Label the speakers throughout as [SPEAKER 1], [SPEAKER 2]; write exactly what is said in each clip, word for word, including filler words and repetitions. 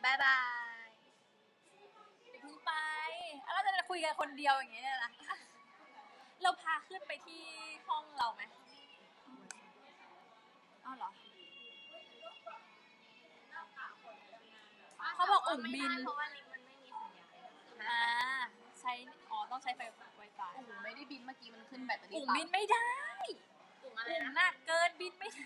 [SPEAKER 1] บายบายเดี๋ยวเพิ่งไปเราจะคุยกันคนเดียวอย่างเงี้ยนะเราพาขึ้นไปที่ห้องเราไหมอ้าวเหรอเขาบอกอุ่งบิน
[SPEAKER 2] เพราะว่าลิงมันไม่มีสัญญาณ
[SPEAKER 1] อ่าใช้อ๋อต้องใช้ไฟไวไฟ
[SPEAKER 3] อุ่งไม่ได้บินเมื่อกี้มันขึ้นแบตเตอรี่
[SPEAKER 1] อุ่งบินไม่ได้
[SPEAKER 2] อุ่งอะไร
[SPEAKER 1] อุ่งหนักเกินบินไม่ได้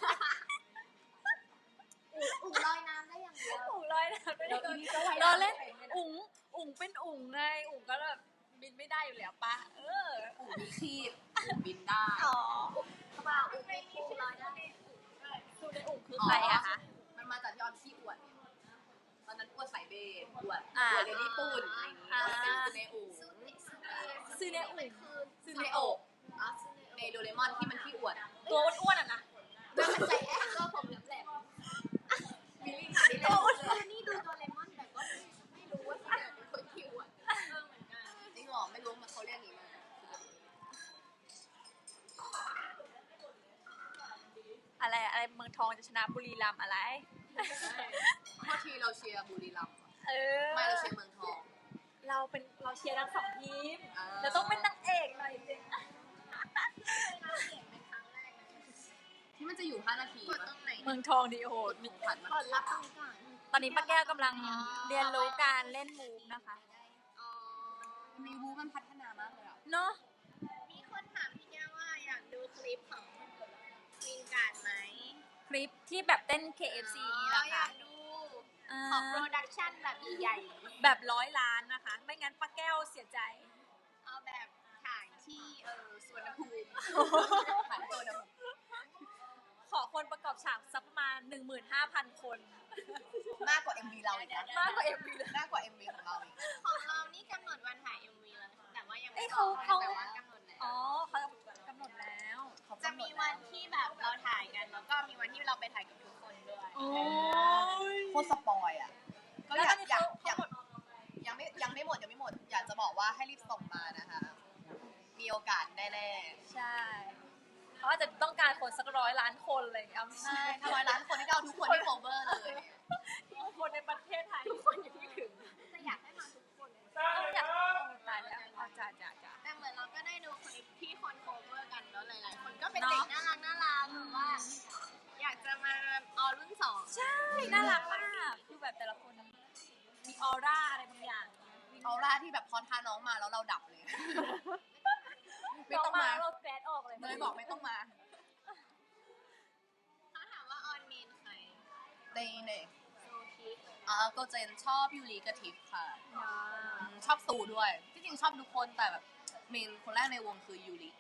[SPEAKER 2] อุ่งลอยน้ำได้อย่างเดียว
[SPEAKER 1] อุ่งลอยน้ำไม่ได้เราเล่นอุ่งอุ่งเป็นอุ่งไงอุ่งก็แบบบินไม่ได้อยู่แล้วปะเออ
[SPEAKER 3] อุ่งมีคีบอุ่งบินได้
[SPEAKER 1] อ๋อ
[SPEAKER 2] เปล่าอุ่งไม่มีลอยได้
[SPEAKER 1] คือในอุ่งคือใครอะคะ
[SPEAKER 3] มันมาจากยอนขี้อวดตอนนั้นอวดสายเบสอวดอวดเดลี่ปูนอะไรอย่างงี้เป็นซูเนอุ่ง
[SPEAKER 1] ซูเนอุ่ง
[SPEAKER 3] ซูเนโอะในโดเรมอนที่มันขี้อวด
[SPEAKER 1] ตัวอ้วนๆอ่ะนะ
[SPEAKER 2] แล้วมันใจแอบก็ผมแหลม
[SPEAKER 3] มิลลี่ค่ะนี่เลย
[SPEAKER 2] นี่ดูโดเรมอนแต่ก็ไม่รู้ว่าเขาเป็นคนขี้อวดเออเหมือนกัน
[SPEAKER 3] จริงหรอไม่รู้มันเขาเรียกอย่างนี้มา
[SPEAKER 1] อะไรอะไรเมืองทองจะชนะบุรีรัมย์อะไร
[SPEAKER 3] เมื่อทีเราเชียร์บุรีรัมย์
[SPEAKER 1] เออ
[SPEAKER 3] ไม่เราเชียร์เมืองทอง
[SPEAKER 1] เราเป็นเราเชียร์ทั้งสองทีมเราต้องเป็นนางเอกหน่อยจริง
[SPEAKER 3] ที่มันจะอยู่ห้านาที
[SPEAKER 1] เมืองทองดีโหด
[SPEAKER 3] มีผัดมา
[SPEAKER 2] ก่อนรับตรงก่อน
[SPEAKER 1] ตอนนี้ป้าแก้วกำลังเรียนรู้การเล่นมูฟนะคะ
[SPEAKER 3] มีมูฟมันพัฒนามากเลยอ่ะ
[SPEAKER 1] เนาะ
[SPEAKER 2] มีคนถามพี่แก้วว่าอยากดูคลิปของวินการไหม
[SPEAKER 1] คลิปที่แบบเต้น เค เอฟ ซี นี่แหละค่ะ
[SPEAKER 2] อยากดูของโปรดักชั่นแบบใหญ่
[SPEAKER 1] แบบร้อยล้านนะคะไม่งั้นป้าแก้วเสียใจ
[SPEAKER 2] เอาแบบถ่ายที่เออสวนภูมิ
[SPEAKER 3] ถ่ายตัวนะ
[SPEAKER 1] ขอคนประกอบฉากสักประมาณ หนึ่งหมื่นห้าพัน คน
[SPEAKER 3] มากกว่า เอ็ม วี เราอีกนะ
[SPEAKER 1] มากกว่า เอ็ม วี เลย
[SPEAKER 3] มากกว่า เอ็ม วี ของเราอีก
[SPEAKER 2] ของเรานี่กำหนดวันถ่าย เอ็ม วี แล้วแต่ว่ายังไม่
[SPEAKER 1] บอก
[SPEAKER 2] แต่ว่ากำหนดแล้ว
[SPEAKER 1] อ๋อเขากำหนดแล้ว
[SPEAKER 2] จะมีวันที่แบบเราถ่ายกันแล้วก็มีวันที่เราไปถ่ายกับทุกคนด้วย
[SPEAKER 1] โอ้
[SPEAKER 3] ยโคตรสปอยอ่ะก็อยากอยากยังไม่ยังไม่หมดยังไม่หมดอยากจะบอกว่าให้รีบส่งมานะคะมีโอกาสแน่
[SPEAKER 1] ๆใช่เขาอาจจะต้องการคนสักร้อยล้านคนเลยอ่ะ
[SPEAKER 3] ใช่ถ้าร้อยล้านคนที่เอาทุกคนที่โคเวอร์เลย
[SPEAKER 1] ทุกคนในประเทศไทย
[SPEAKER 2] ทุกคนอย่างที่ถึงจะอยากให้มาทุกคน
[SPEAKER 1] อยากตายแล้วเอาจ่าจ่าจ่า
[SPEAKER 2] แต่เหมือนเราก็ได้ดูคลิปที่คนโคเวอร์กันแล้วหลายๆคนก็เป็นเด็กน่ารักน่ารักหรือว่าอยากจะมาออรุ่นสอง
[SPEAKER 1] ใช่น่ารักมากคือแบบแต่ละคนมีออร่าอะไรบางอย่าง
[SPEAKER 3] ออร่าที่แบบพอทาน้องมาแล้วเราดับเลย
[SPEAKER 1] ไม่ต้องมาเราแกรดออกเลย
[SPEAKER 3] เลยบอกไม่ต้องมา
[SPEAKER 2] เขาถามว่าออนเมนใคร
[SPEAKER 3] ในในอ่าก็เจนชอบยูริกับทิฟค่ะชอบซูด้วยที่จริงชอบทุกคนแต่แบบเมนคนแรกในวงคือยูริ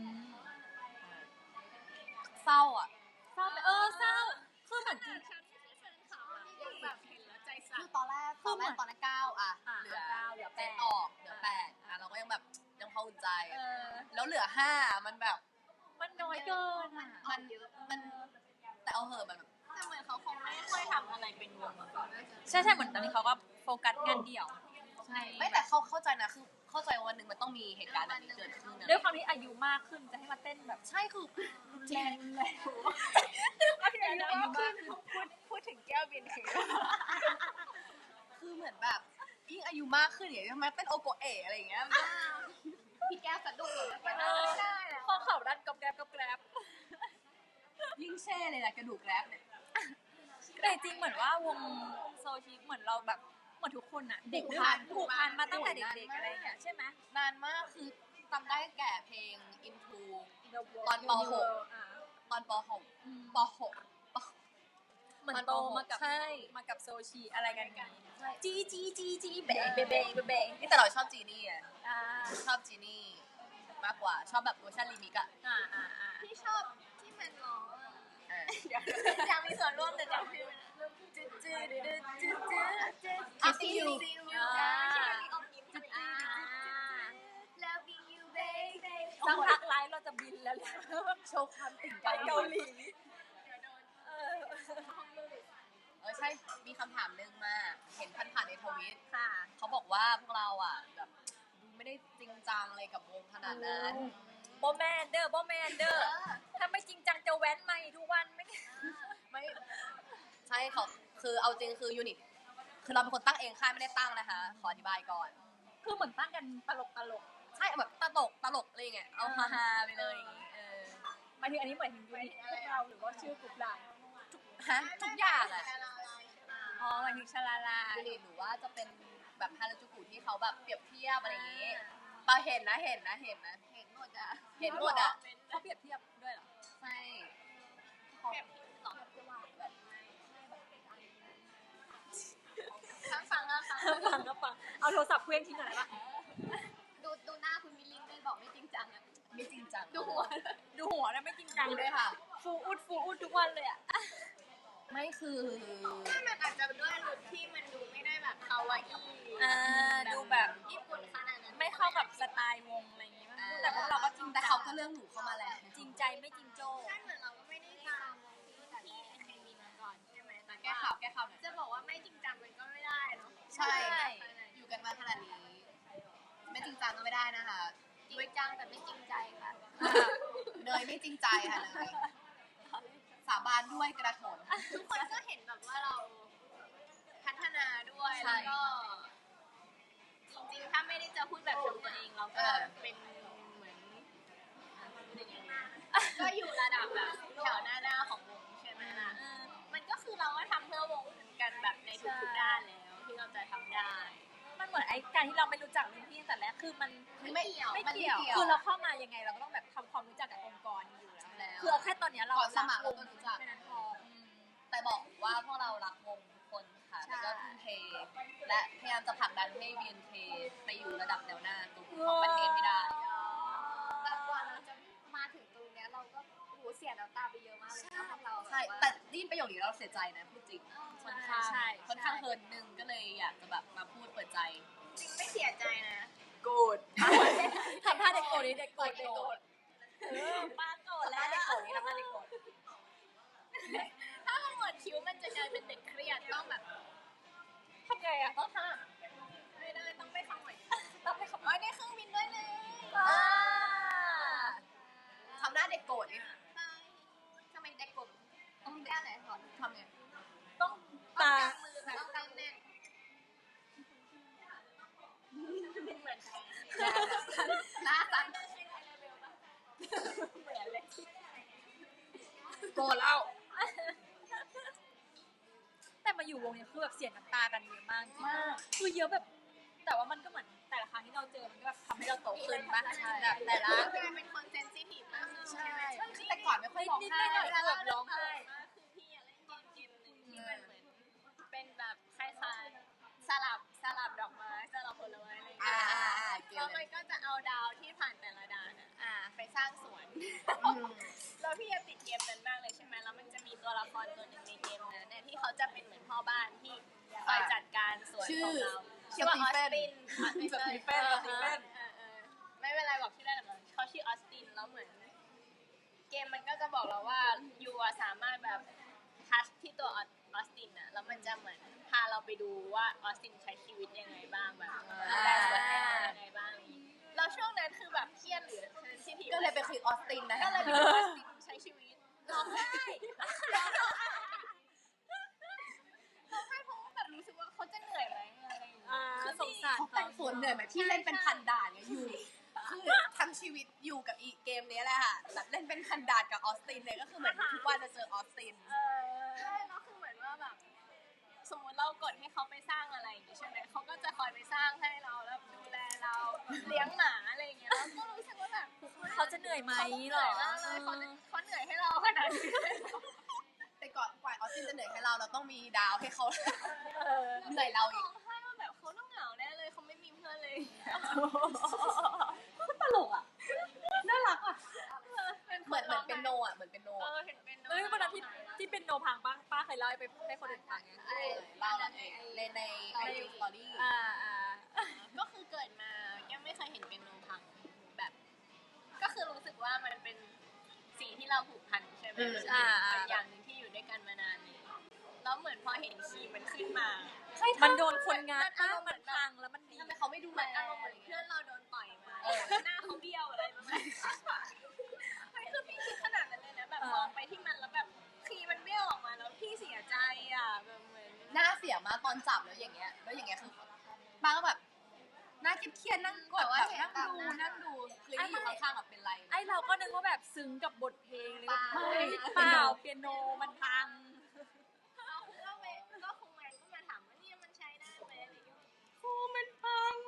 [SPEAKER 3] เศร้าอ่ะ
[SPEAKER 1] เศร้าเออเศร้าคือเหมือนจริง
[SPEAKER 2] แบบเห็นแล้วใจสั่น
[SPEAKER 3] คือตอนแรกตอนแรกตอนนั้นเก้าอ่ะเหลือเหลือแปดออกเหลือแปดอ่ะเราก็ยังแบบยังพออุ่นใจแล้วเหลือห้ามันแบบ
[SPEAKER 1] มันน้อยเกินอ่ะ
[SPEAKER 3] มันมันแต่เอาเหอะแบบ
[SPEAKER 2] แต่เหมือนเขาคงไม่ค่อยทำอะไรเป็นวง
[SPEAKER 1] ใช่ใช่เหมือนตอนนี้เขาก็โฟกัสงานเดี่ยว
[SPEAKER 3] ใช่ไม่แต่เขาเข้าใจนะคือเข้าใจวันหนึ่งมันต้องมีเหตุการณ์แบบนี้เกิดขึ้น
[SPEAKER 1] ด้วยความที่อายุมากขึ้นจะให้มาเต้นแบบ
[SPEAKER 3] ใช่คือ
[SPEAKER 1] แรงเลย
[SPEAKER 2] อายุมากขึ้นพูดพูดถึงแก้วบินคือ
[SPEAKER 3] คือเหมือนแบบยิ่งอายุมากขึ้นอย่างเงี้ยมาเต้นโอโกเอะอะไรอย่างเงี้ย
[SPEAKER 2] พี่แก้วสะดุ้งเลย
[SPEAKER 1] ไม่ได้ข้อเข่าดันกับแกรบกับแกรบ
[SPEAKER 3] ยิ่งแช่เลยแหละกระดูกแกรบเนี่ย
[SPEAKER 1] แต่จริงเหมือนว่าวงโซชิเหมือนเราแบบเหมือนทุกคนอะเด็กผ่านผูกพันมาตั้งแต่เด็กๆอะไรอย่างเงี้ยใช่ไหม
[SPEAKER 3] นานมากคือจำได้แก่เพลง Into ตอนป หก ตอนป หก ป หก
[SPEAKER 1] เหมือนโตมากับมากับโซชิอะไรกันกันจีจีจีจีเบย์เบย์เบย์เบย์
[SPEAKER 3] นี่แต่เราชอบจีนี่อ่ะชอบจีนี่มากกว่าชอบแบบเวอร์ชันรีมิกอ่ะ
[SPEAKER 2] ที่ชอบที่มันร้องยังมีส่วนร่วมแต่จำชื่อจืดจืดจืดจืดจืด
[SPEAKER 3] อาซียู
[SPEAKER 1] สักพักไลฟ์เราจะบินแล้ว
[SPEAKER 3] โชว์ความติ่ง
[SPEAKER 1] ไปเกาหลี
[SPEAKER 3] เออใช่มีคำถามนึงมาเห็นผ่านๆในทวิต
[SPEAKER 1] ค่ะ
[SPEAKER 3] เขาบอกว่าพวกเราอ่ะแบบไม่ได้จริงจังอะไรกับวงขนาดนั้น
[SPEAKER 1] โบแมนเดอร์โบแมนเดอร์ถ้าไม่จริงจังจะแว้นมาทุกวันไม่
[SPEAKER 3] ไม่ใช่เขาคือเอาจริงคือยูนิตคือเราเป็นคนตั้งเองค่ายไม่ได้ตั้งนะคะ ขออธิบายก่อน
[SPEAKER 1] คือเหมือนตั้งกันตลกตลก
[SPEAKER 3] ใช่แบบตลกตลกอะไรเงี้ยเอาฮาๆไปเลยอย่างงี้เออ
[SPEAKER 1] หมายถึงอันนี้เหมือนถึงยูนิตพวกเราหรือว่าชื่อกลุ่มไลน์
[SPEAKER 3] ฮะทุกอย่างอะ
[SPEAKER 1] อ๋อหมายถึงชลาลา
[SPEAKER 3] ยูนิตหรือว่าจะเป็นแบบฮาราจูกุที่เขาแบบเปรียบเทียบอะไรอย่างงี้ปาเห็นนะเห็นนะเห็นนะ
[SPEAKER 2] เห็นหมดอ่ะ
[SPEAKER 3] เห็นหมดอ่ะ
[SPEAKER 1] เขาเปรียบเทียบด้วยเหรอ
[SPEAKER 3] ใช่
[SPEAKER 2] แบบหลอกจะว่าแบบทั้งฟังแล้วฟัง
[SPEAKER 1] ฟังก็ฟังเอาโทรศัพท์เคลื่อนทิ้งก่อนได้ปะ
[SPEAKER 2] ดูดูหน้าคุณมิลลินด้วยบอกไม่จริงจังอ่ะ
[SPEAKER 3] ไม่จริงจัง
[SPEAKER 2] ดูหัว
[SPEAKER 1] ดูหัวแล้วไม่จริงจัง
[SPEAKER 3] ดู
[SPEAKER 1] เล
[SPEAKER 3] ด้วย ยค่ะ
[SPEAKER 1] ฟูอุดฟูอุดทุกวันเลยอ่ะ
[SPEAKER 3] ไม่คือ
[SPEAKER 2] ถ้ามันอาจจะด้วยลุคที่มันดูไม่ได้แบบคาวาอี้
[SPEAKER 1] อ่าดูแบบ
[SPEAKER 2] ญี่ปุ่นขนาดนั้น
[SPEAKER 1] ไม่เข้ากับสไตล์วงอะไรอย่างงี้ป่ะแต่พวกเราก็จริง
[SPEAKER 3] แต่เขาก็เลือกหนูเข้ามาแล้ว
[SPEAKER 1] จริงใจไม่จริงโจ้
[SPEAKER 2] ใช่เหมือนเราก็ไม่ได้ตามที่เคมีมาก่อนใช่ไหมแต่
[SPEAKER 3] แก้ข่าวแก้ข่าวหน่อย
[SPEAKER 2] จะบอกว่าไม่จริงจังมันก็ไม่ได้เนาะ
[SPEAKER 3] ใช่ อยู่กันมาขนาดนี้ ไม่จริงจังก็ไม่ได้นะคะ
[SPEAKER 2] จริงจังแต่ไม่จริงใจค่ะ
[SPEAKER 3] เนยไม่จริงใจค่ะเนยสาบานด้วยกระโถน
[SPEAKER 2] ทุกคนก็เห็นแบบว่าเราพัฒนาด้วย
[SPEAKER 3] ใช่
[SPEAKER 2] แล้วก็จริงๆถ้าไม่ได้จะพูดแบบชมตัวเองเราก็เป็นเหมือนก็อยู่ระดับแบบแถวหน้าหน้าของวงใช่ไหมล่ะมันก็คือเราก็ทำเพื่อวงกันแบบในทุกๆด้านแล้วที่เราจะทำได้
[SPEAKER 1] มันเหมือนไอ้การที่เราไม่รู้จักรุ่นพี่ตั้งแต่แรกคือมัน
[SPEAKER 2] ไม่เกี่ยว
[SPEAKER 1] ไม่
[SPEAKER 3] มันไม่
[SPEAKER 1] เกี่ยว
[SPEAKER 3] เกี่ยว
[SPEAKER 1] คือเราเข้ามายังไงเราก็ต้องแบบทำความรู้จักกับองค์กรอยู่แล้ว
[SPEAKER 3] แล้ว
[SPEAKER 1] คือเอาแค่ตอนเนี้ยเรา
[SPEAKER 3] ก่อนสมัครเราก็รู้จัก
[SPEAKER 1] แค่นั้นพออืม
[SPEAKER 3] แต่บอกว่าพวกเรารักวงทุกคนค่ะ
[SPEAKER 1] ใช่
[SPEAKER 3] แล้วก็ทุ่มเท และพยายามจะผลักดันให้ บี เอ็น เค ไปอยู่ระดับแนวหน้าของประเทศให้ได้
[SPEAKER 2] แต่กว่าเราจะมาถึงตรงเนี้ยเราก็โหเสียน้ำตาไปเยอะมากเลยนะพวกเรา
[SPEAKER 3] ใช่ แต่ได้ยินประโยคนี้แล้วเราเสียใจนะพูดจริง ค่อนข้าง
[SPEAKER 1] ใช่
[SPEAKER 3] ค่อนข้างเฮิร์นหนึ่งก็เลยอยากจะแบบมาพูดเปิดใจ
[SPEAKER 2] จริงไม่เสียใจนะ
[SPEAKER 1] โกรธทำท่าเด็กโกรธนี่เด็กโกรธเด็กโกรธเออป้าโกรธแล้วเด็กโกรธนี่ทำท่าเด็กโกรธ
[SPEAKER 2] ถ้าเราหมดคิ้วมันจะกลายเป็นเด็กเครียดต้องแบบ
[SPEAKER 1] ทำไงอ่ะต้องท
[SPEAKER 2] ไม่ได้ต้องไปขโมย
[SPEAKER 1] ำต้องให้เขา
[SPEAKER 2] อ๋อได้เครื่องบินด้วยเลย
[SPEAKER 1] อ่า
[SPEAKER 3] ทำหน้าเด็กโกรธนี่
[SPEAKER 2] ทำไมเด็กกลุ่มต้องแก้ไหนก่อน
[SPEAKER 3] ทำไง
[SPEAKER 1] ต้อง
[SPEAKER 2] ต้อ
[SPEAKER 1] ตาง
[SPEAKER 2] กางมือแบบต้องกางแน่นเหมือน
[SPEAKER 3] หน้าสั่น
[SPEAKER 1] เหมือนเลย
[SPEAKER 3] โกรธแล้ว
[SPEAKER 1] แต่มาอยู่วงเนี่ยคือแบบเสียน้ำตากันเยอะมากมากคือเยอะแบบ แต่ว่ามันก็เหมือนแต่ละครั้งที่เราเจอมันก็แบบทำให้เราโตขึ้นปะแบบแต่ละ
[SPEAKER 2] กลายเป็นคนเซนซิทีฟมากขึ้น
[SPEAKER 3] ใช่
[SPEAKER 2] ใช่ไหม
[SPEAKER 3] คือแต่ก่อนไม่ค่อยร้อง
[SPEAKER 1] นิด
[SPEAKER 3] ไห้
[SPEAKER 1] ๆหน่อยๆแบบร้องไห้
[SPEAKER 2] คือพี่อะเล่นเกมเกมหนึ่งที่มันเหมือนเป็นแบบคล้ายๆสลับสลับดอกไม้สลับผลไม้อะไรอย่าง
[SPEAKER 3] อ่า
[SPEAKER 2] เงี้ย
[SPEAKER 3] อ่าอ่าเก
[SPEAKER 2] แล้ว
[SPEAKER 3] ม
[SPEAKER 2] มันก็จะเอาดาวที่ผ่านแต่ละดานอะอ่า ไปสร้างสวน
[SPEAKER 3] อืม
[SPEAKER 2] แล้วพี่จะติดเกมนั้นมากเลยใช่ไหมแล้วมันจะมีตัวละครตัวหนึ่งในเกมนั้นเนี่ยที่เขาจะเป็นเหมือนพ่อบ้านที่คอยจัดการสวนของเราชื่อว่าออสติน
[SPEAKER 3] สตีเฟนสตีเฟน
[SPEAKER 2] เออเออไม่เป็นไรบอกชื่อได้หรอกเขาชื่อออสตินแล้วเหมือน เกมมันก็จะบอกเราว่ายูอะสามารถแบบทัชที่ตัวออสตินอะแล้วมันจะเหมือนพาเราไปดูว่าออสตินใช้ชีวิตยังไงบ้างแบบดูแลสวนให้เรายังไงบ้างอะไรอย่างงี้แล้วช่วงนั้นคือแบบเครียดหรือเซนซิทีฟ
[SPEAKER 3] ก็เลยไปคุยออสตินนะ
[SPEAKER 2] ก็
[SPEAKER 3] คะ
[SPEAKER 2] เลยไปดูออสตินใช้ชีวิตร้องไห้ร้องไห้ร้องไห้เพราะว่าแบบรู้สึกว่าเขาจะเหนื่อยไหมอะไรอย่างเงี้ย
[SPEAKER 1] อ่าสงสาร
[SPEAKER 3] เขาแต่งสวนเหนื่อยไหมพี่เล่นเป็นพันด่านเนี่ยอยู่คือทั้งชีวิตอยู่กับอีเกมนี้แหละค่ะแบบเล่นเป็นพันด่านกับออสตินเนี่ยก็คือเหมือนทุกวันจะเจอออสติน
[SPEAKER 1] เออ
[SPEAKER 2] ใช่แล้วคือเหมือนว่าแบบสมมติเรากดให้เขาไปสร้างอะไรอย่างงี้ใช่ไหมเขาก็จะคอยไปสร้างให้เราแล้วดูแลเราเลี้ยงหมาอะไรอย่างเงี้ยเราก็รู้สึกว่าแบบ
[SPEAKER 1] เขาจะเหนื่อยไหม
[SPEAKER 2] เขาเห
[SPEAKER 1] หร
[SPEAKER 2] นื่
[SPEAKER 1] อ
[SPEAKER 2] อยมากเลยเขาจะเขาเหนื่อยให้เราขนาดนี้เลยเหรอ
[SPEAKER 3] แต่ก่อนกว่าออสตินจะเหนื่อยให้เราเราต้องมีดาวให้เขา
[SPEAKER 1] เออ
[SPEAKER 3] เหนื่อยเราอี
[SPEAKER 2] ร้
[SPEAKER 3] ก
[SPEAKER 2] องไห้ว่าแบบเขาต้องเหงาแน่เลยเขาไม่มีเพื่อนเลย
[SPEAKER 1] ตลกอ่ะ น่ารักอ่ะ
[SPEAKER 3] เหมือนเหมือนเป็นโนอ่ะเหมือนเป็นโน
[SPEAKER 2] เอ
[SPEAKER 3] อะ
[SPEAKER 2] อเห็นเป็น
[SPEAKER 1] เอ้ยวันนั้นที่ที่เป็นโนพังป้าป้าเคยเล่าให้ไปให้คนอื่นฟังไง
[SPEAKER 3] เออเล่าเองในในไอจีสตอรี่
[SPEAKER 1] อ่าอ่า
[SPEAKER 2] ก็คือเกิดมายังไม่เคยเห็นเป็นโนพังแบบ ก็คือรู้สึกว่ามันเป็นสิ่งที่เราผูกพันใช่ไหมเป็นอย่างหนึ่งที่อยู่ด้วยกันมานานเลยแล้วเหมือนพอเห็นคีย์มันขึ้นมา
[SPEAKER 1] มันโดนคนงานป้ามันพังแล้วมันดี
[SPEAKER 3] ทำไมเขาไม่ดู
[SPEAKER 2] เห
[SPEAKER 3] แล
[SPEAKER 2] มือนอารมณ์เหมือนเพื่อนเราโดนต่อยมา
[SPEAKER 3] เออ
[SPEAKER 2] หน้าเขาเบี้ยวอะไรประมาณนี้ไม่คือพี่คิดขนาดนั้นเลยนะแบบมองไปที่มันแล้วแบบคีย์มันเบี้ยวออกมาแล้วพี่เสียใจอ่ะแบบเหมือน
[SPEAKER 3] น่าเสียะตอนจับแล้วอย่างเงี้ยแล้วอย่างเงี้ยคือป้าก็แบบน่าเครียดๆนั่งกดแบบนั่งดูนั่งดูคือที่อยู่ข้างๆแบบเป็นไร
[SPEAKER 1] ไอเราก็นึกว่าแบบซึ้งกับบทเพลงเลยว่าไม่เปล่าเปียโนมันพัง
[SPEAKER 2] เราคงก็ไปก็คงมันก็มาถามว่าเนี่ยมันใช้ได้ไหมอะไรอย่างเงี้ย
[SPEAKER 1] ครูมันพัง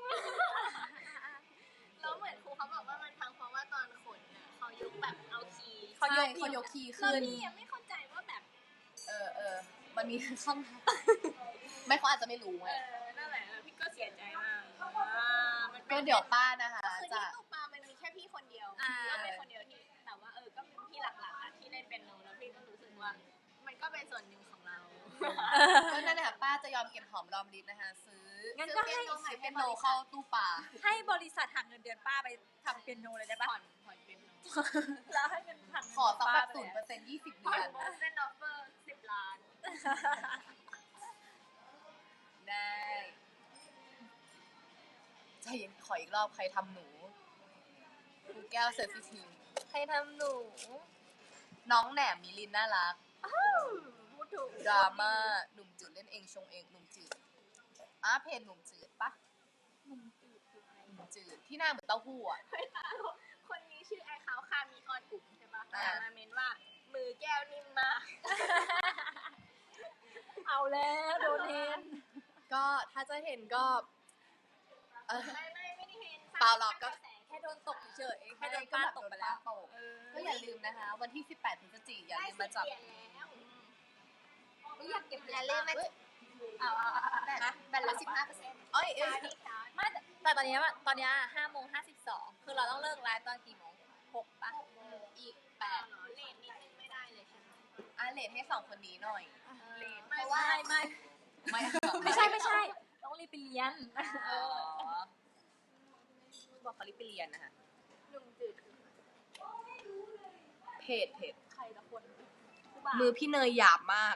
[SPEAKER 2] แล้วเหมือนครูเขาบอกว่ามันพังเพราะว่าตอนขนน่ะเขายกแบบเอาคีย์
[SPEAKER 3] เขายกเขายกคีย์
[SPEAKER 2] แล้ว
[SPEAKER 3] ขึ้น
[SPEAKER 2] พี่ยังไม่เข้าใจว่าแบบ
[SPEAKER 3] เออเออมันมีช่องทางไม่เขาอาจจะไม่รู้
[SPEAKER 2] เอ
[SPEAKER 3] ไง
[SPEAKER 2] อนั่นแหละแล้วพี่ก็เสียใจมากมัน
[SPEAKER 3] ก็เดี๋ยวป้านะคะ
[SPEAKER 2] คือ
[SPEAKER 3] จะ
[SPEAKER 2] ที่ตู้ปลามันมีแค่พี่คนเดียว
[SPEAKER 1] อ่า
[SPEAKER 2] เราเป็นคนเดียวที่แต่ว่าเออก็เป็นพี่หลักๆอะที่เล่นเป็นโนแล้วพี่ก็รู้สึกว่า มันก็เป็นส่วนหนึ่งของเรา
[SPEAKER 3] ก็นั่นแหละค่ะป้าจะยอมเก็บหอมรอมริบนะคะ ซื้อ
[SPEAKER 1] งั้นก็ให้
[SPEAKER 3] ซื้อเปียโนเข้าตู้ปลา
[SPEAKER 1] ให้บริษัทหักเงินเดือนป้าไปทำเปียโนเลยได้ปะ
[SPEAKER 2] ผ่อนผ่อนเป็นโน
[SPEAKER 1] แล้วให้เงินหักเงิน
[SPEAKER 3] ขอสักแบบ
[SPEAKER 1] เดื
[SPEAKER 3] ศู
[SPEAKER 1] อน น
[SPEAKER 3] ย์เปอร์เซ็นต์ยี่สิบ
[SPEAKER 2] ผ่อ
[SPEAKER 3] เดื
[SPEAKER 2] น
[SPEAKER 3] อน
[SPEAKER 2] เส้นออฟเฟอร์สิบล้าน
[SPEAKER 3] ได้ใจเย็นขออีกรอบใครทำหนูครูแก้วเซอร์ฟิทีฟ
[SPEAKER 2] ใครทำหนู
[SPEAKER 3] น้องแหนมมิลินน่ารัก
[SPEAKER 2] พูดถูก
[SPEAKER 3] ดราม่าหนุ่มจืดเล่นเองชงเองหนุ่มจืดอ่ะเพจหนุ่มจืดปะ
[SPEAKER 1] หนุ่มจืดคือใคร
[SPEAKER 3] หนุ่มจืดที่หน้าเหมือนเต้าหู้อ่ะ
[SPEAKER 2] คนนี้ชื่อไอเขาคามีออนกลุ่มใช่ปะ
[SPEAKER 3] อ่า
[SPEAKER 2] แต่มาเมนว่า มือแก้วนิ่มมาก
[SPEAKER 1] เอาแล้วโดนเทน
[SPEAKER 3] ก็ถ้าจะเห็นก็เออ
[SPEAKER 2] ไม่ไม่ไม่ได้เห็น
[SPEAKER 3] เปล่าหรอกก็
[SPEAKER 1] แค่โดนตกเฉยๆแค่
[SPEAKER 3] ไม่
[SPEAKER 1] โด
[SPEAKER 3] ได้
[SPEAKER 1] น
[SPEAKER 3] ก็
[SPEAKER 1] ป้า
[SPEAKER 3] แบบ
[SPEAKER 1] ต
[SPEAKER 3] โด
[SPEAKER 1] ก
[SPEAKER 3] น
[SPEAKER 1] ไป
[SPEAKER 3] ป้า
[SPEAKER 1] แล้ว
[SPEAKER 3] ตกก็อย่าลืมนะคะ วันที่สิบแปดพฤศจิกายนอย่าลืมมาจับ
[SPEAKER 2] ได้สิบเหรียญแล้ว
[SPEAKER 1] ไม่อยากเก็บ
[SPEAKER 2] อย่าลืมมา
[SPEAKER 1] เอาเอาเอาเอา
[SPEAKER 2] แบตแบตเหลือสิบห้าเปอร์เซ็นต์
[SPEAKER 3] เอ้ยเอ้ย
[SPEAKER 1] ไม่แต่แต่ตอนนี้ว่าตอนนี้ห้าโมงห้าสิบสองคือเราต้องเลิกไลฟ์ตอนกี่โมงหกปะ
[SPEAKER 3] อีกแปด
[SPEAKER 2] เลนนิดนึงไม่ได้เลยใช่ไหม
[SPEAKER 3] อ่ะเลทให้สองคนนี้หน่อย
[SPEAKER 1] ไม่ไม่ไม่
[SPEAKER 3] ไม่
[SPEAKER 1] ไม่ใช่ไม่ใช่ ต้องรีบไปเรียน
[SPEAKER 3] อ๋อบอกเขารีบไปเรียนนะคะ
[SPEAKER 2] หนุ่มจืด
[SPEAKER 3] เพจเพจ
[SPEAKER 1] ใครละคน
[SPEAKER 3] มือพี่เนยหยาบมาก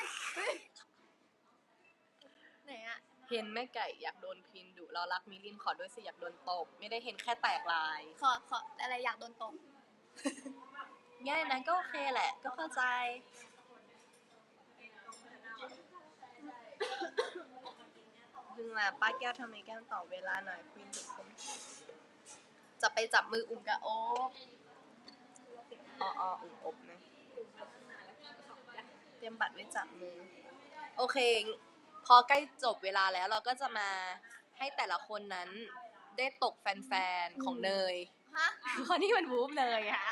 [SPEAKER 2] ไหนอะ
[SPEAKER 3] เห็นแม่ไก่อยากโดนพินดุเรารักมิลินขอด้วยสิอยากโดนตบไม่ได้เห็นแค่แตกลาย
[SPEAKER 2] ขอขออะไรอยากโดนตบ
[SPEAKER 3] ง่ายนะก็โอเคแหละ ก็เข้าใจดึงมาป้าแก้วทำไมแก้วต่อเวลาหน่อยคุยดุคนจะไปจับมืออุ่มกับโอ๊บอ๋ออ๋ออุ่มอบนะเตรียมบัตรไว้จับมือ โอเค พอใกล้จบเวลาแล้วเราก็จะมาให้แต่ละคนนั้นได้ตกแฟนๆ ของเนย
[SPEAKER 2] ฮะ
[SPEAKER 3] เพราะนี่มันวูบเนยอะ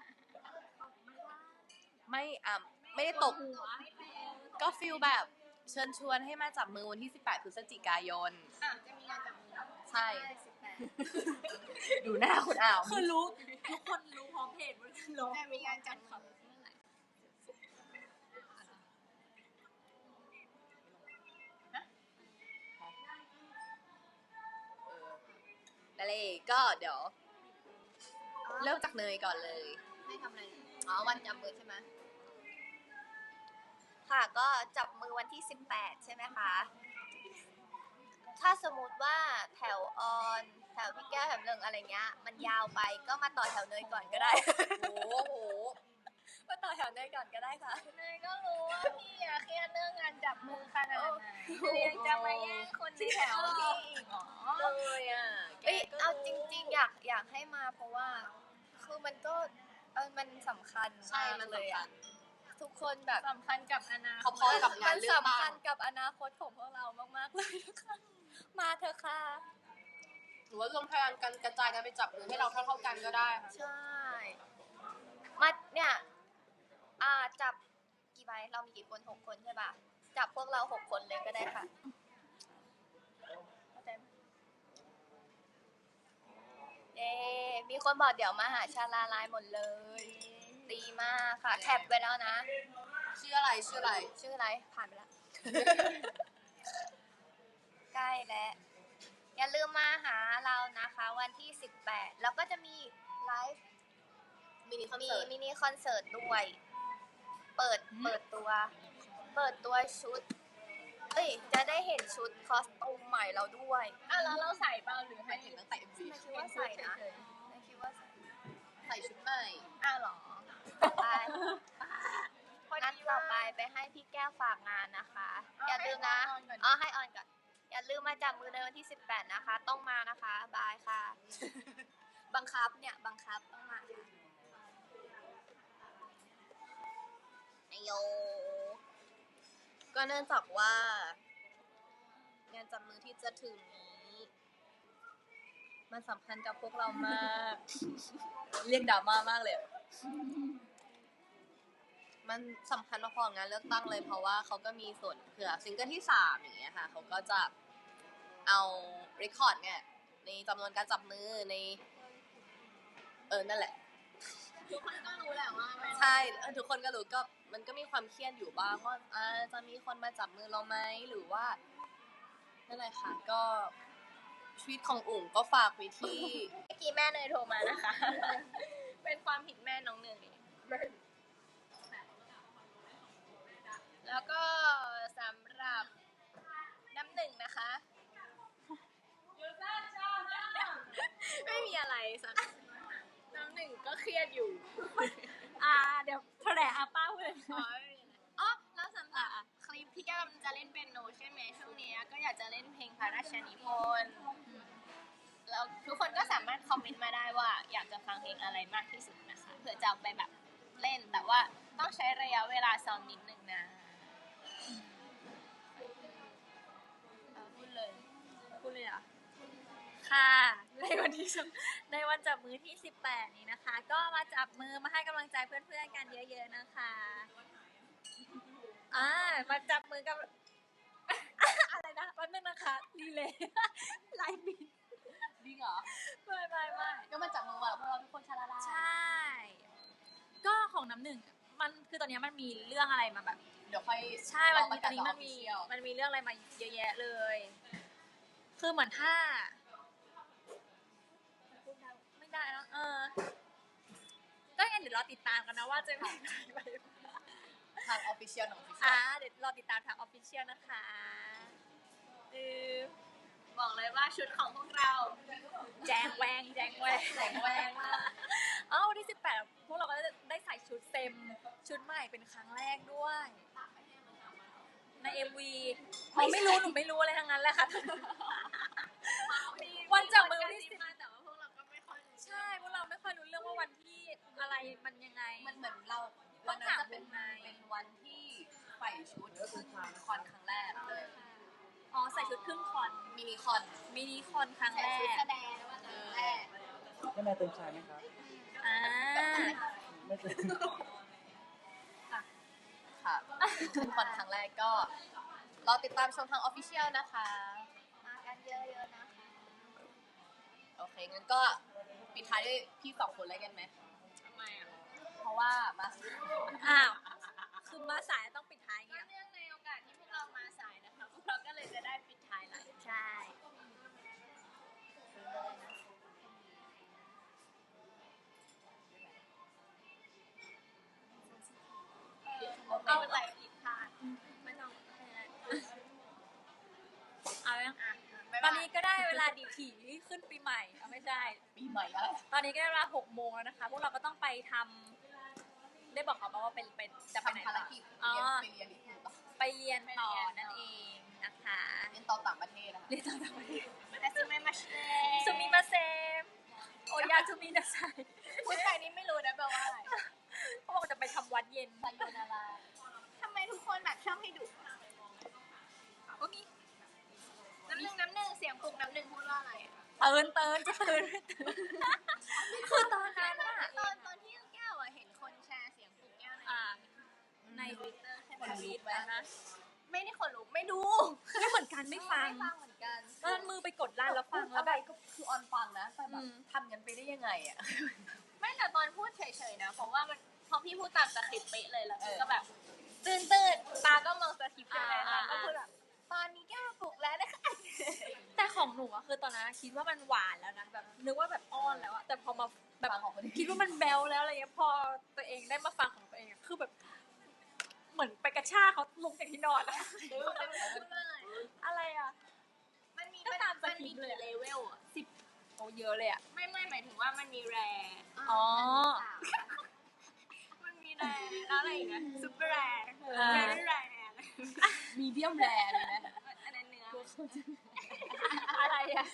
[SPEAKER 3] ไม่อ่ะไม่ได้ตก ก็ฟิลแบบเชิญชวนให้มาจับมือวันที่สิบแปดพฤศจิกายน
[SPEAKER 2] อ่ะจะมีงานจับมือ
[SPEAKER 3] ใช่
[SPEAKER 2] สิบแปด
[SPEAKER 3] ดูหน้าคุณอ่าว
[SPEAKER 1] คือรู้ทุกคนรู้พร้อมเพจหมดเลยรู้
[SPEAKER 2] จะมีงานจับมือเมื่อไหร่
[SPEAKER 3] นั่นเลยก็เดี๋ยว เริ่มจากเนยก่อนเลย
[SPEAKER 2] ให้ทำอะไร
[SPEAKER 3] อ๋อ วันจับมือใช่ไหม
[SPEAKER 2] ค่ะก็จับมือวันที่สิบแปดใช่ไหมคะ ถ้าสมมติว่าแถวออนแถวพี่แก้วแถวหนึ่งอะไรเงี้ย มันยาวไปก็มาต่อแถวเนยก่อนก็ได้
[SPEAKER 3] โอ้โห
[SPEAKER 2] มาต่อแถวเนยก่อนก็ได้ค่ะ เนยก็รู้ว่าพี่อะเครียดเรื่องงานจับมือขนาดไหนยังจะมาแย่งคนในแถวพี่อีกเหรอ
[SPEAKER 3] เลยอ่ะ
[SPEAKER 2] เอ้ยเอาจริงๆ อยากอยากให้มาเพราะว่า คือมันก็เออมันสำคัญ
[SPEAKER 3] ใช่
[SPEAKER 2] มาก
[SPEAKER 3] มัน
[SPEAKER 2] เลย
[SPEAKER 3] สำคั
[SPEAKER 2] อะ
[SPEAKER 3] ญ
[SPEAKER 2] ทุกคนแบบสำคัญกับอนาคต
[SPEAKER 3] พอๆกับงานเลือกตั้ง
[SPEAKER 2] สำคัญกับอนาคตของพวกเรามากๆเลยนะคะมาเถอะค่ะ
[SPEAKER 3] หรือว่ารวมพลังกันกระจายกันไปจับมือให้เราเท่าๆกันก็ได้ค่ะ
[SPEAKER 2] ใช่ มาเนี่ย อ่าจับกี่ใบเรามีกี่คนหกคนใช่ป่ะ จับพวกเราหกคนเลยก็ได้ค่ะเข้าใจไหมเย้มีคนบอกเดี๋ยวมาหาชาลาลายหมดเลย ดีมากค่ะ แคปไว้แล้วนะ
[SPEAKER 3] ชื่ออะไรชื่ออะไร
[SPEAKER 2] ชื่ออะไร ผ่านไปแล้ว ใกล้แล้ว อย่าลืมมาหาเรานะคะ วันที่สิบแปดแล้วก็จะมีไลฟ์
[SPEAKER 3] มินิคอน
[SPEAKER 2] มี
[SPEAKER 3] เสิร์ต
[SPEAKER 2] มินิคอนเสิร์ตด้วย เปิด เปิดตัว เปิดตัวชุด เอ้ย จะได้เห็นชุดคอสตูมใหม่เราด้วย
[SPEAKER 3] อ่ะแล้วเราใส่เปล่าหรือให้เห็นตั้งแต่ เอ็ม วี
[SPEAKER 2] ไม่คิดว่าใส่นะไม่คิดว่าใส่
[SPEAKER 3] ใส่ชุดใหม่
[SPEAKER 2] อ้าวเหรอไปพ
[SPEAKER 3] งั้นต่อไปไปให้พี่แก้วฝากงานนะคะ อย่าลืมนะอ๋อให้ออนก่อน อย่าลืมมาจับมือในวันที่สิบแปดนะคะ ต้องมานะคะ บายค่ะ บังคับเนี่ย บังคับต้องมาค่ะไอโย ก็เนื่องจากว่า งานจับมือที่จะถึงนี้ มันสำคัญกับพวกเรามาก เรียกดราม่ามากเลย มันสำคัญพอๆงานเลือกตั้งเลยเพราะว่าเขาก็มีส่วนเผื่อซิงเกิลที่สามอย่างเงี้ยค่ะเขาก็จะเอาเรคคอร์ดเนี่ยในจำนวนการจับมือในเออนั่นแหละ
[SPEAKER 2] ทุกคนก็รู้แหละว่ามัน
[SPEAKER 3] ใช่เออทุกคนก็รู้ก็มันก็มีความเครียดอยู่บ้างว่าอ่าจะมีคนมาจับมือเราไหมหรือว่านั่นแหละค่ะก็ชีวิตของอุ๋งก็ฝากไว้ที่
[SPEAKER 2] เมื่อกี้แม่เนยโทรมานะคะ เป็นความผิดแม่น้องเนยแล้วก็สำหรับน้ำหนึ่งนะคะ ไม่มีอะไรสักน้ำหนึ่งก็เครียดอยู่
[SPEAKER 1] อ่าเดี๋ยวแถลงอาป้าเลย
[SPEAKER 2] อ๋ออ๋อแล้วสำหรับคลิปที่แก้มจะเล่นเปียโนใช่ไหมช่วงนี้ก็อยากจะเล่นเพลงพระราชนิพนธ์แล้วทุกคนก็สามารถคอมเมนต์มาได้ว่าอยากจะฟังเพลงอะไรมากที่สุดนะคะเผื่อจะเอาไปแบบเล่นแต่ว่าต้องใช้ระยะเวลาซ้อมนิดนึงนะเอาพูดเลย
[SPEAKER 1] พูดเลยเหรอ่ะค่ะในวันที่สิบในวันจับมือที่สิบแปดนี้นะคะ ก็มาจับมือมาให้กำลังใจเพื่อนๆกันเยอะๆนะคะอ่ามาจับมือกับ อะไรนะแป๊บนึงนะคะดีเลย ไลฟ์บิน
[SPEAKER 3] จริงเหรอ
[SPEAKER 1] ไม่ไม่ไม่
[SPEAKER 3] ก็มาจับมือว่าพวกเราทุกคนชาลาลา
[SPEAKER 1] ใช่ ก็ของน้ำหนึ่งมันคือตอนนี้มันมีเรื่องอะไรมาแบบ
[SPEAKER 3] เดี๋ยวค่อย
[SPEAKER 1] ใช่มันมีต
[SPEAKER 3] ร
[SPEAKER 1] อนนี้มันมี
[SPEAKER 3] official
[SPEAKER 1] มันมีเรื่องอะไรมาเยอะแยะเลย คือเหมือนถ้าไม่ได้แล้วเออก็งั้นเดี๋ยวรอติดตามกันนะว่าจะเป็นยังไงไป
[SPEAKER 3] ทางออฟฟิเชียลของออฟฟิเชีย
[SPEAKER 1] อ่า
[SPEAKER 3] ล
[SPEAKER 1] เดี๋ยวรอติดตามทางออฟฟิเชียลนะคะเออ
[SPEAKER 2] บอกเลยว่าชุดของพวกเรา
[SPEAKER 1] แจงแวงแจงแวง
[SPEAKER 3] แสงแวงมาก
[SPEAKER 1] อ๋อวันที่สิบแปดพวกเราก็ได้ใส่ชุดเต็มชุดใหม่เป็นครั้งแรกด้วย ใน เอ็ม วีอ๋อไม่รู้หนูไม่รู้อะไรทั้งนั้นแหละค่ะ วันจับมือวันที่สิบ
[SPEAKER 2] มาแต่ว่าพวกเราก็ไม่ค่อยรู้
[SPEAKER 1] ใช่พวกเราไม่ค่อยรู้เรื่องว่าวันที่อะไรมันยังไง
[SPEAKER 3] มันเหมือนเรา
[SPEAKER 1] ต้
[SPEAKER 3] วั
[SPEAKER 1] อน ง
[SPEAKER 3] นั้น
[SPEAKER 1] ถาม
[SPEAKER 3] จะเป็น
[SPEAKER 1] วงใน
[SPEAKER 3] เป็นวันที่ใส่ชุดขึ้นคอนครั้งแรกเลย
[SPEAKER 1] อ๋อใส่ชุดครึ่งคอน
[SPEAKER 3] มินิคอน
[SPEAKER 1] มินิคอนครั้ง
[SPEAKER 2] แต่
[SPEAKER 1] แร
[SPEAKER 2] ชุด
[SPEAKER 1] ก
[SPEAKER 2] แสดงว่าครั้งแรก
[SPEAKER 4] ได้มาเติมชายไหมครับ
[SPEAKER 1] อ่า
[SPEAKER 4] ไม่เติม
[SPEAKER 3] ค่ะขึ้นคอนครั้งแรกก็รอติดตามชมทางออฟฟิเชียลนะคะ
[SPEAKER 2] มากันเยอะๆนะคะ
[SPEAKER 3] โอเค งั้นก็ปิดท้ายด้วยพี่สองคนเลยกันไหม
[SPEAKER 2] ทำไมอ่ะ
[SPEAKER 3] เพราะว่ามา
[SPEAKER 1] อ้าวคือมาสายต้องปิดท้าย
[SPEAKER 2] ก็
[SPEAKER 1] เงี้ย
[SPEAKER 2] เนื่องในโอกาสที่พวกเรามาสายนะคะ พวกเราก็เลยจะได้ปิดท้ายไลฟ์
[SPEAKER 1] ใช่
[SPEAKER 2] เอาอะไรผิดพลาด
[SPEAKER 1] ไม่ต้องเอายัง
[SPEAKER 2] อ่ะ
[SPEAKER 1] ตอนนี้ก็ได้เวลาดีถีขึ้นปีใหม่เอาไม่ใช่
[SPEAKER 3] ปีใหม่แล้ว
[SPEAKER 1] ตอนนี้ก็ได้เวลาหกโมงแล้วนะคะ พวกเราก็ต้องไปทำได้บอกเขาปะว่าเป็นเป็นจะไปไหน
[SPEAKER 3] ทำภาร
[SPEAKER 1] ต่อ
[SPEAKER 3] กิจ
[SPEAKER 1] อ๋อ
[SPEAKER 3] เรียนไปเรียนที่อื่นต่อ
[SPEAKER 1] ไปเรียนต่อนั่นเองนะคะ
[SPEAKER 3] เรียนต่อต่างประเทศนะคะ
[SPEAKER 1] เรียนต่อต่างประเทศ
[SPEAKER 2] แต่ซิไม่มาเช
[SPEAKER 1] ซูมิมาเซมโอยาซูมินาไซ
[SPEAKER 2] พูดไปนี้ไม่รู้นะแปลว่าอะไร
[SPEAKER 1] เขาบอกจะไปทำวัดเย็น
[SPEAKER 3] ไซโยนารา
[SPEAKER 2] ทำไมทุกคนแบบชอบให้ดุอ่ะ
[SPEAKER 1] ก็มี
[SPEAKER 2] น้ำหนึ่งน้ำหนึ่งเสียงปลุกน้ำหนึ่งพูดว่าอะไรอ่ะ
[SPEAKER 1] เตือนเตือนจะเตือนไม่เตือนคือตอนนั้นอะ
[SPEAKER 2] ตอนตอนที่แก้วอ่ะเห็นคนแชร์เสียงปลุกแก้วใน
[SPEAKER 1] อ่าใน
[SPEAKER 2] ทวิตเตอร์ใช่ไหม
[SPEAKER 1] ทวิตนะ
[SPEAKER 2] ไม่ได้คนรู้ไม่ดู
[SPEAKER 1] ไม่เหมือนกันไม่ฟัง
[SPEAKER 3] ไม่ฟังเหมือนกัน
[SPEAKER 1] ตอนมือไปกดไลน์แล้วฟังแล้ว
[SPEAKER 3] อะไร
[SPEAKER 1] แบบ
[SPEAKER 3] ก็คือออนฟังนะแต่แบบ
[SPEAKER 1] อืม
[SPEAKER 3] ทำกันไปได้ยังไงอ่ะ
[SPEAKER 2] ไม่แต่ตอนพูดเฉยๆนะเพราะว่ามันพอพี่พูดตามสคริปต์เป๊ะเลยแล้ว
[SPEAKER 3] เออ
[SPEAKER 2] ก็แบบตื่นตื่นตาก็มองสคริปต์ใช่ไหม
[SPEAKER 1] อ่า
[SPEAKER 2] แล้วก็พูดแบบตอนนี้แก้วปลุกแล้วนะคะ
[SPEAKER 1] แต่ของหนูอะคือตอนนั้นคิดว่ามันหวานแล้วนะแบบนึกว่าแบบอ้อนแล้วอะแต่พอมาแบบ
[SPEAKER 3] ฟังของคนอื่น
[SPEAKER 1] คิดว่ามันแบลแล้วอะไรเงี้ยพอตัวเองได้มาฟังของตัวเองอะคือแบบ เหมือนไปกระชากเขาลงจากที่นอนอะ
[SPEAKER 2] พูดว่าอะไร
[SPEAKER 1] อะไรอะ
[SPEAKER 2] มันมี
[SPEAKER 1] ก็ตามส
[SPEAKER 2] มัน
[SPEAKER 1] คริ
[SPEAKER 2] มี
[SPEAKER 1] ปต์เลย
[SPEAKER 2] กี่
[SPEAKER 1] อะ
[SPEAKER 2] เลเวลอ่ะ
[SPEAKER 1] สิบโอ้เยอะเลยอะ
[SPEAKER 2] ไม่ไม่หมายถึงว่ามันมีแร
[SPEAKER 1] อ๋อ
[SPEAKER 2] มันมีแรงแล้วอะไรอีกนะซุปเปอร์แรง
[SPEAKER 1] เออ
[SPEAKER 2] แรงแรง
[SPEAKER 3] มีเดียมแรร์เลยนะ
[SPEAKER 2] อันนั้นเนื้อ
[SPEAKER 1] อะไรอะ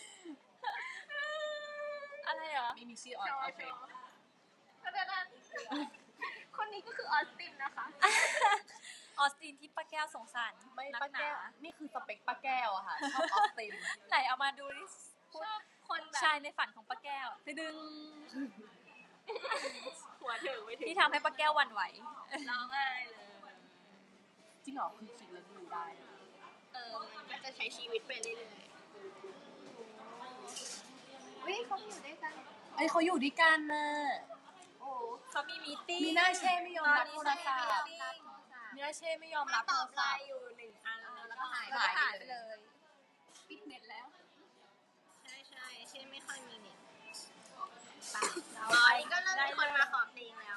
[SPEAKER 1] อะไรเหรอ
[SPEAKER 3] ไม่มีชื่อออนโอเค
[SPEAKER 2] เพราะฉะนั้นคนนี้ก็คือออสตินนะคะ
[SPEAKER 1] ออสตินที่ป้าแก้วสงสาร
[SPEAKER 3] ไม่
[SPEAKER 1] นั
[SPEAKER 3] ป้าก
[SPEAKER 1] หนา
[SPEAKER 3] แก้ว นี่คือสเปคป้าแก้วอะค่ะ ชอบออสติน
[SPEAKER 1] ไหนเอามาดูดิ
[SPEAKER 2] ชอบคนแบบ
[SPEAKER 1] ชายในฝันของป้าแก้วดึง
[SPEAKER 2] หัวถึงไม่ถึง
[SPEAKER 1] ที่ทำให้ป้าแก้วหวั่นไหว
[SPEAKER 2] ร้องไห้เลย
[SPEAKER 3] จริงเหรอคือคิดแล้วดูได้
[SPEAKER 2] เออมันก็จะใช้ชีวิตไปเรื่อยๆวิเขาอยู่ด้วยกัน
[SPEAKER 3] เอ้ยเขาอยู่ด้วยกันนะ
[SPEAKER 2] โอ้
[SPEAKER 1] เขามีมีตติ้ง
[SPEAKER 3] มีหน้าเช่ไม่ยอมรับโทรศัพท์
[SPEAKER 2] รับ
[SPEAKER 3] มีหน้าเช่ไม่ยอม
[SPEAKER 2] มา
[SPEAKER 3] รับ
[SPEAKER 2] ต
[SPEAKER 3] โท
[SPEAKER 2] อ
[SPEAKER 3] ร
[SPEAKER 2] บไล
[SPEAKER 3] ศัพท์
[SPEAKER 2] น์อยู่หนึ่งอันแล้วก็หาย
[SPEAKER 3] หาย
[SPEAKER 2] หาย
[SPEAKER 3] ไป
[SPEAKER 2] ไป
[SPEAKER 3] เล
[SPEAKER 2] เลย ยปิดเน็ตแล้ว ใช่ใช่เช่นไม่ค่อยมีเน็ตตอนนี้ก็เริ่มมีคนมาขอเพลงแล้ว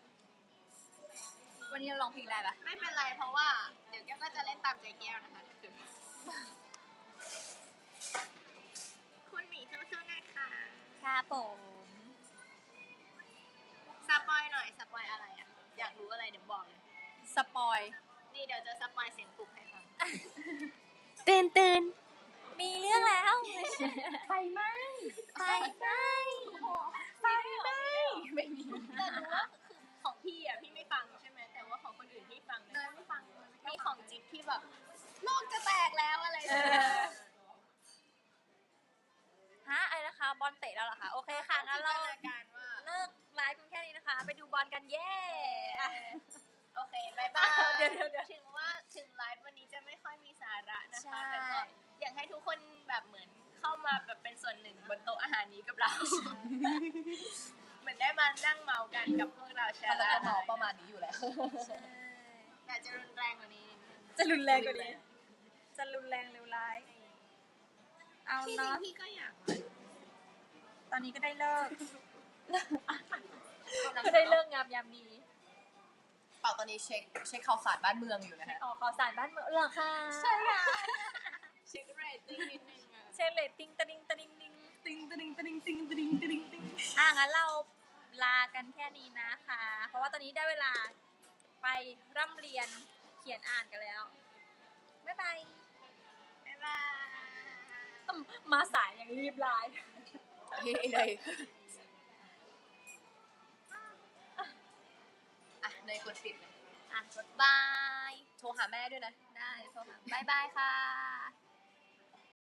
[SPEAKER 1] วันนี้เราร้องเพลงได้ปะ
[SPEAKER 2] ไม่เป็นไรเพราะว่าเดี๋ยวแก้วก็จะเล่นตามใจแก้วนะคะคุณหมีสู้ๆนะคะ
[SPEAKER 1] ค่ะผม
[SPEAKER 2] สปอยหน่อยสปอยอะไรอ่ะ อยากรู้อะไรเดี๋ยวบอกเลย
[SPEAKER 1] สปอย
[SPEAKER 2] นี่เดี๋ยวจะสปอยเสียงปลุกให้ฟัง
[SPEAKER 1] ตื่นตื่นมีเรื่องแล้ว
[SPEAKER 3] ไฟไหม
[SPEAKER 1] ไฟไหม้
[SPEAKER 2] ไฟไหมไม่มีแต่รู้ว่าคือของพี่อ่ะพี่ไม่ฟังใช่ไหมแต่ว่าของคนอื่นพี่ฟังเลยไม่ฟังมีของจิ๊บที่แบบโลกจะแตกแล้วอะไร
[SPEAKER 1] เออฮะอะไรนะคะ บอลเตะแล้วเหรอคะ โอเคค่ะงั้นเรา
[SPEAKER 2] จินตนาการว่า
[SPEAKER 1] เลิกไลฟ์กันแค่นี้นะคะ ไปดูบอลกันเย้อ่ะ
[SPEAKER 2] โอเคบายบาย
[SPEAKER 1] เดี๋ยวเดี๋ยวเดี๋ยว
[SPEAKER 2] ถึงว่าถึงไลฟ์วันนี้จะไม่ค่อยมีสาระนะ
[SPEAKER 1] ใช่
[SPEAKER 2] คะแต่ก็อยากให้ทุกคนแบบเหมือนเข้ามาแบบเป็นส่วนหนึ่งบนโต๊ะอาหารนี้กับเรา เหมือนได้มานั่งเมากันกับพวกเราแช
[SPEAKER 3] ถ้า
[SPEAKER 2] ร์
[SPEAKER 3] เรา
[SPEAKER 2] ร้า
[SPEAKER 3] ก็
[SPEAKER 2] น
[SPEAKER 3] เมาประมาณนี้อยู่แล้ว
[SPEAKER 2] อยากจะรุนแรงกว่านี้นิดนึง
[SPEAKER 1] จะรุนแรงกว่านี้ จะรุนแรงเร็วร้าย เอา
[SPEAKER 2] ที่จริง
[SPEAKER 1] เนาะ
[SPEAKER 2] พี่ก็อยาก
[SPEAKER 1] ตอนนี้ก็ได้เลิก ก็ได้เลิกงามยามดี
[SPEAKER 3] เปล่าตอนนี้เช็คเช็คข่าวสารบ้านเมืองอยู่นะฮะ
[SPEAKER 1] ออกข่าวสารบ้านเมืองเหรอคะ
[SPEAKER 2] ใช่ค่ะเช็คเรตติ้งนิดนึงอะ
[SPEAKER 1] เช็คเลตติ้งตะดิงตะดิงดิง
[SPEAKER 3] ติงติงติงติงติงติงติง
[SPEAKER 1] อ่ะงั้นเราลากันแค่นี้นะคะ เพราะว่าตอนนี้ได้เวลาไปร่ำเรียนเขียนอ่านกันแล้ว บ๊ายบาย
[SPEAKER 2] บ๊ายบาย
[SPEAKER 1] อืมมาสายอย่างรีบไลน์
[SPEAKER 3] เฮ้ยเลยอ่ะเนยกดปิดเลย
[SPEAKER 1] อ่ะ
[SPEAKER 3] บาย โทรหาแม่ด้วยนะ
[SPEAKER 1] ได้โทรมาบ๊ายบายค่ะ